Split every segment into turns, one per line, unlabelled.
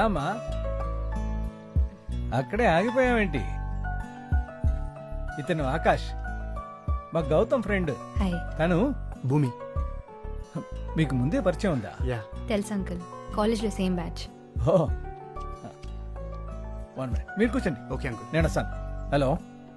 రామా, అక్కడే ఆగిపోయావేంటి? ఇతను ఆకాష్, మా గౌతమ్ ఫ్రెండ్.
హాయ్.
తను
భూమి.
మీకు ముందే పరిచయం ఉందా?
యా.
తెలుసు అంకుల్, కాలేజ్లో సేమ్ బ్యాచ్.
ఓ 1 minute, మీరు కూర్చోండి.
Okay uncle.
నేను వస్తాను. హలో,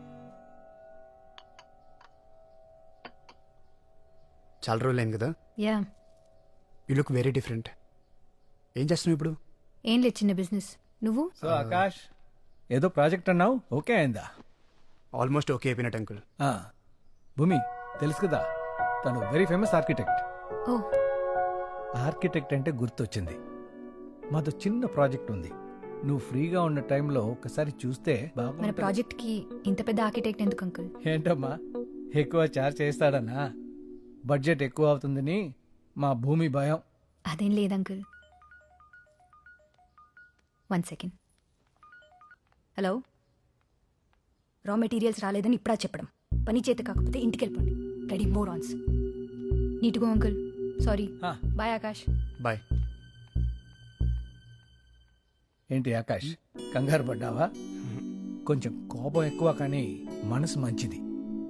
చాలా రోజులు అయింది కదా.
Yeah.
You look very different. ఏం చేస్తున్నావు ఇప్పుడు?
ఏం లేదు, చిన్న బిజినెస్. నువ్వు?
సో ఆకాష్, ఏదో ప్రాజెక్ట్ అన్నావు, ఓకే అయిందా?
ఆల్మోస్ట్ ఓకే అయిపోయినట్టు అంకుల్.
ఆ, భూమి తెలుసు కదా, తను వెరీ ఫేమస్ ఆర్కిటెక్ట్.
ఓ,
ఆర్కిటెక్ట్ అంటే గుర్తొచ్చింది, మాతో చిన్న ప్రాజెక్ట్ ఉంది. నువ్వు ఫ్రీగా ఉన్న టైంలో ఒకసారి చూస్తే
మన
బాగుంటుంది.
ప్రాజెక్ట్ కి ఇంత పెద్ద ఆర్కిటెక్ట్ ఎందుకు అంకుల్?
ఏంటమ్మా, ఎక్కువ చార్జ్ చేస్తాడన్నా? బడ్జెట్ ఎక్కువ అవుతుందని మా భూమి భయం.
అదేం లేదు uncle. 1 second. Hello, raw materials రాలేదని ఇప్పుడా చెప్పడం? పని చేత కాకపోతే ఇంటికి వెళ్ళిపోండి. రెడీ మోర్ ఆన్స్. నీట్ గో అంకుల్. సారీ.
ఆ.
బాయ్ ఆకాష్.
బాయ్.
ఏంటి ఆకాష్, కంగారు పడ్డావా? కొంచెం కోపం ఎక్కువ, కానీ మనసు మంచిది.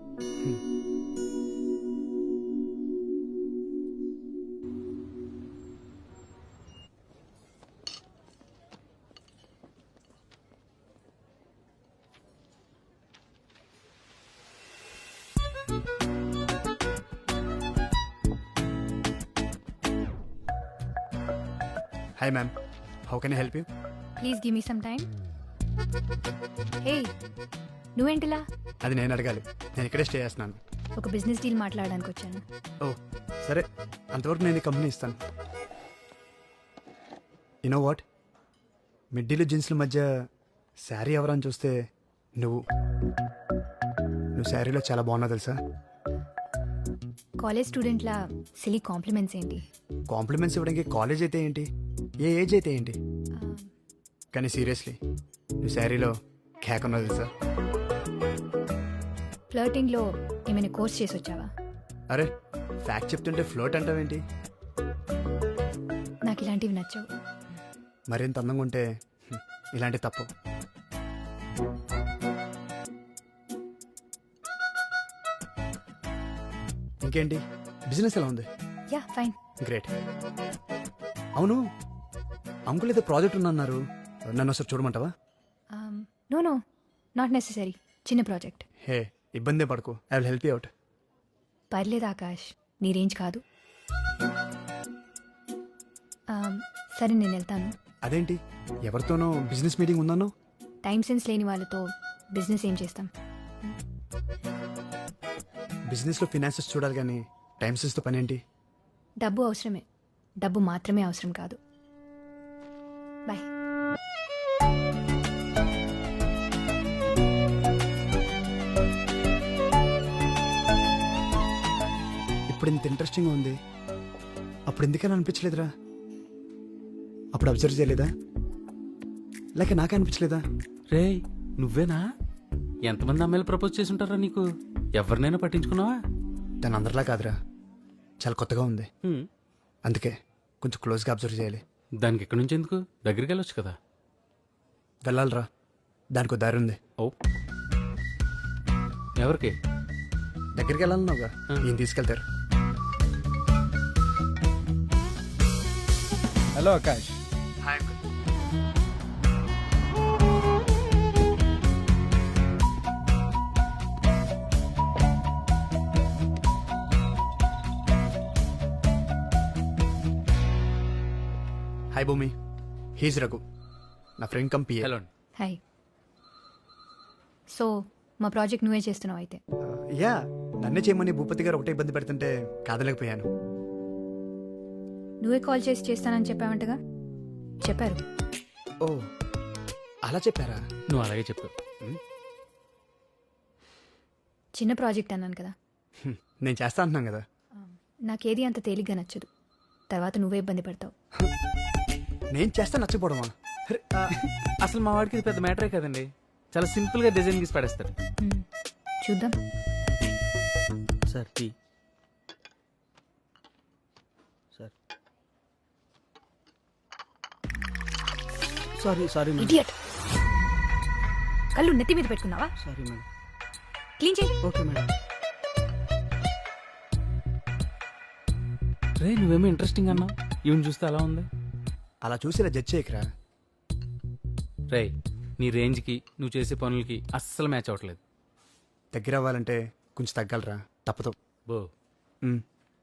Hi ma'am, how can I help you?
Please give me some time. Hey, నువ్వేంటిలా?
అది నేను అడగాలి, నేను ఇక్కడే స్టే చేస్తున్నాను.
ఒక బిజినెస్ డీల్ మాట్లాడడానికి వచ్చాను.
ఓ సరే, అంతవరకు నేను ఈ కంపెనీ ఇస్తాను. యునో వాట్, మిడ్డీలు జీన్స్ల మధ్య శారీ ఎవరని చూస్తే నువ్వు శారీలో చాలా బాగున్నావు తెలుసా.
కాలేజ్ స్టూడెంట్లా సిలీ కాంప్లిమెంట్స్ ఏంటి?
కాంప్లిమెంట్స్ ఇవ్వడానికి కాలేజ్ అయితే ఏంటి, ఏ ఏజ్ అయితే ఏంటి, కానీ సీరియస్లీ నువ్వు శారీలో కేక్ ఉన్నావు తెలుసా.
ఫ్లర్టింగ్లో ఏమైనా కోర్స్ చేసి వచ్చావా?
అరే, ఫ్యాక్ట్ చెప్తుంటే ఫ్లోట్ అంటావేంటి?
నాకు ఇలాంటివి నచ్చవు.
మరింత అందంగా ఉంటే ఇలాంటి తప్పు. ఇంకేంటి, బిజినెస్ ఎలా ఉంది?
Yeah, fine.
గ్రేట్. అవును, అంకుల్ ఏదో ప్రాజెక్ట్ ఉందన్నారు, నన్ను ఒకసారి చూడమంటావా?
No no, not necessary. చిన్న ప్రాజెక్ట్.
హే, ఇబ్బందే పడకు, I will help you out.
పర్లేదు ఆకాష్, నీ రేంజ్ కాదు. సరే, నేను వెళ్తాను.
అదేంటి, ఎవరితోనో బిజినెస్ మీటింగ్ ఉందన్నో?
టైం సెన్స్ లేని వాళ్ళతో బిజినెస్ ఏం చేస్తాం?
బిజినెస్లో ఫినాన్సెస్ చూడాలి కానీ టైం సెన్స్తో పని ఏంటి?
డబ్బు అవసరమే, డబ్బు మాత్రమే అవసరం కాదు. బాయ్.
ఇప్పుడు ఇంత ఇంట్రెస్టింగ్గా ఉంది, అప్పుడు ఎందుకని అనిపించలేదురా? అప్పుడు అబ్జర్వ్ చేయలేదా, లేక నాకే అనిపించలేదా?
రే, నువ్వేనా? ఎంతమంది అమ్మాయిలు ప్రపోజ్ చేసి ఉంటారా నీకు? ఎవరినైనా పట్టించుకున్నావా?
తను అందరిలా కాదురా, చాలా కొత్తగా ఉంది,
హ్మ్.
అందుకే కొంచెం క్లోజ్గా అబ్జర్వ్ చేయాలి.
దానికి ఎక్కడి నుంచి ఎందుకు? దగ్గరికి వెళ్ళొచ్చు కదా.
వెళ్ళాలిరా, దానికి దారి ఉంది.
ఓ, ఎవరికి?
దగ్గరికి వెళ్ళాలన్నావుగా, ఈయన తీసుకెళ్తారు.
Hello Akash.
Hi uncle. Hi Bhoomi, he's Raghu, నా ఫ్రెండ్ కంపీ.
హలో.
హాయ్. సో మా ప్రాజెక్ట్ నువ్వే చేస్తున్నావు అయితే?
యా, నన్నే చేయమని భూపతి గారు ఒకటే ఇబ్బంది పెడుతుంటే కాదలేకపోయాను.
నువ్వే కాల్ చేసి చేస్తానని చెప్పావంటగా? చెప్పారు.
ఓ, అలా చెప్పారా?
నువ్వు అలాగే చెప్పు.
చిన్న ప్రాజెక్ట్ అన్నాను కదా.
నేను చేస్తా అంటున్నాను కదా.
నాకేది అంత తేలిగ్గా నచ్చదు, తర్వాత నువ్వే ఇబ్బంది పడతావు.
నేను చేస్తా నచ్చపోవడమా?
అసలు మా వాడికి ఇది పెద్ద మ్యాటరే కదండి, చాలా సింపుల్ గా డిజైన్ గీసి పడేస్తాడు.
చూద్దాం.
Sir tea. Sir
sorry sorry
idiot. కళ్ళు నెత్తి మీద పెట్టుకున్నావా?
Sorry madam.
క్లీన్ చేయి.
Okay madam.
రే నువ్వేమో ఇంట్రెస్టింగ్ అన్నావు, ఈవెన్ చూస్తే అలా ఉంది.
అలా చూసి ఇలా జడ్జ్ చేయకరా.
రే నీ రేంజ్కి నువ్వు చేసే పనులకి అస్సలు మ్యాచ్ అవ్వట్లేదు.
దగ్గర అవ్వాలంటే కొంచెం తగ్గలరా, తప్పదు.
బో
మ్.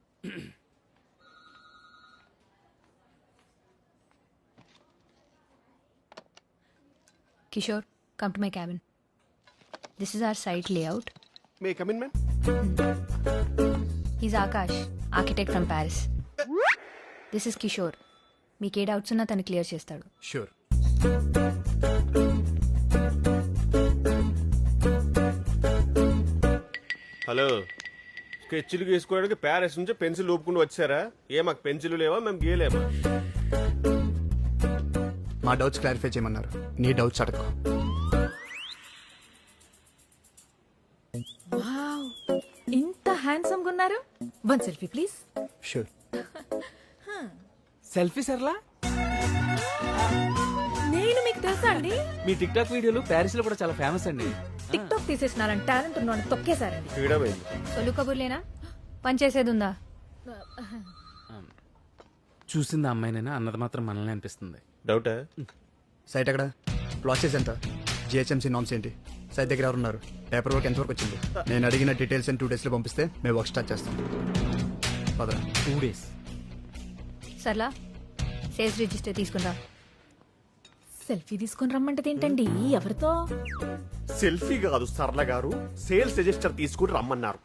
Kishore, come to my cabin. This is our site layout.
May I come in, ma'am?
He's Akash, architect from Paris. This is Kishore. మీకు ఏ డౌట్స్ ఉన్నా తను క్లియర్ చేస్తాడు.
షూర్.
హలో, స్కెచ్లు గీసుకోవడానికి ప్యారిస్ నుంచి పెన్సిల్ ఊపుకుంటూ వచ్చారా? మాకు పెన్సిల్ లేవా, మేము గీయలేమా?
మా డౌట్స్ క్లారిఫై చేయమన్నారు, నీ డౌట్స్ అడగకు.
వావ్, ఇంత హ్యాండ్సమ్ గా ఉన్నారు. One selfie please.
Sure.
Selfie Sarla,
నేను మీకు తెలుసా అండి?
మీ టిక్ టాక్ వీడియోలు ప్యారిస్ లో కూడా చాలా ఫేమస్ అండి.
టిక్ టాక్ తీసేసినారని టాలెంట్ ఉన్నాను తొక్కేశారండి.
ఫ్రీడమ్ అయింది.
సొల్లు కబుర్లేనా? పని చేసేది ఉందా?
చూసింది అమ్మాయినైనా అన్నది మాత్రం మనల్ని అనిపిస్తుంది.
డౌటా?
సైట్ ఎక్కడ? ప్రాసెస్ ఎంత? జిహెచ్ఎంసీ నామ్స్ ఏంటి? సైట్ దగ్గర ఎవరు ఉన్నారు? పేపర్ వర్క్ ఎంతవరకు వచ్చింది? నేను అడిగిన డీటెయిల్స్ 2 days లో పంపిస్తే మేము వర్క్ స్టార్ట్ చేస్తాం. పదరా.
2 days.
సర్లా, సేల్స్ రిజిస్టర్ తీసుకుందా?
సెల్ఫీ తీసుకొని రమ్మంటది ఏంటండి? ఎవరితో?
సెల్ఫీ కాదు సరళ గారు, సేల్స్ రిజిస్టర్ తీసుకుని రమ్మన్నారు.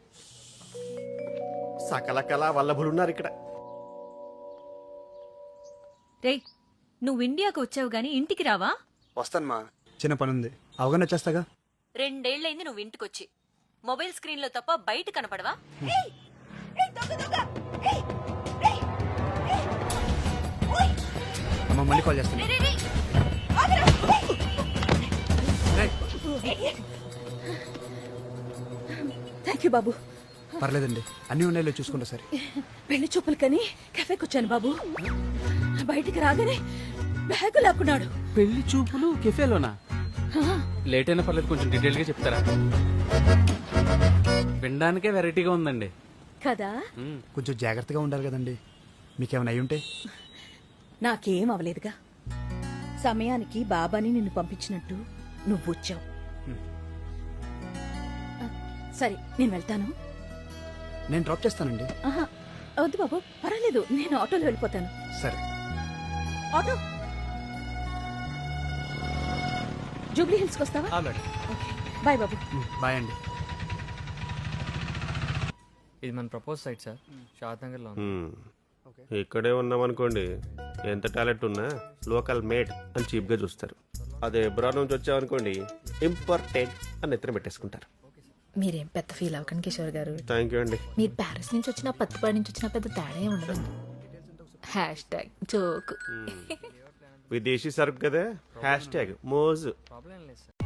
సకల కళా వల్లభులున్నారు ఇక్కడ.
రేయ్, నువ్వు ఇండియాకు వచ్చావు గాని ఇంటికి రావా?
వస్తాను మా, చిన్న పని ఉంది, అవగానే వచ్చేస్తాగా.
2 ఏళ్లైంది నువ్వు ఇంటికొచ్చి. మొబైల్ స్క్రీన్ లో తప్ప బయట కనపడవా?
అమ్మ మళ్ళీ కాల్ చేస్తాను. రేయ్,
థ్యాంక్ యూ బాబు.
పర్లేదండి, అన్ని ఉన్నాయో చూసుకుంటా సరే.
పెళ్లి చూపులు కని కెఫేకి వచ్చాను బాబు. బయటికి రాగానే బ్యాగ్ లాక్కున్నాడు.
పెళ్లి చూపులు కెఫేలోనా? లేట్ అయినా పర్లేదు, కొంచెం డీటెయిల్ గా చెప్తారా? వినడానికే వెరైటీగా ఉందండి
కదా.
కొంచెం జాగ్రత్తగా ఉండాలి కదండి, మీకేమైనా అయి ఉంటే.
నాకేం అవలేదుగా. సమయానికి బాబాని నిన్ను పంపించినట్టు నువ్వు వచ్చావు. సరే, నేను వెళ్తాను.
నేను డ్రాప్ చేస్తానండి.
ఆహా, వద్దు బాబు, పర్వాలేదు, నేను ఆటోలో వెళ్ళిపోతాను.
సరే.
ఆటో జూబ్లీ హిల్స్కి వస్తావా?
మేడం.
ఓకే, బాయ్ బాబు.
బాయ్ అండి.
ఇది మన propose site sir, Shadnagar లో ఉంది.
ఇక్కడే ఉన్నామనుకోండి, ఎంత టాలెంట్ ఉన్నా లోకల్ మేడ్ అని చీప్ గా చూస్తారు. అదే ఎబ్రాడ్ నుంచి వచ్చామనుకోండి, ఇంపార్టెంట్ అని ఎత్తున పెట్టేసుకుంటారు.
మీరేం పెద్ద ఫీల్ అవ్వకండి కిషోర్ గారు.
థ్యాంక్ యూ అండి.
మీరు ప్యారిస్ నుంచి వచ్చినా పత్తిపాడి నుంచి వచ్చినా పెద్ద తేడా ఏం ఉండదండి. Hash joke.
విదేశీ సరుకు కదా, హ్యాష్ ట్యాగ్ మోజు.
ప్రాబ్లం లేదు సార్.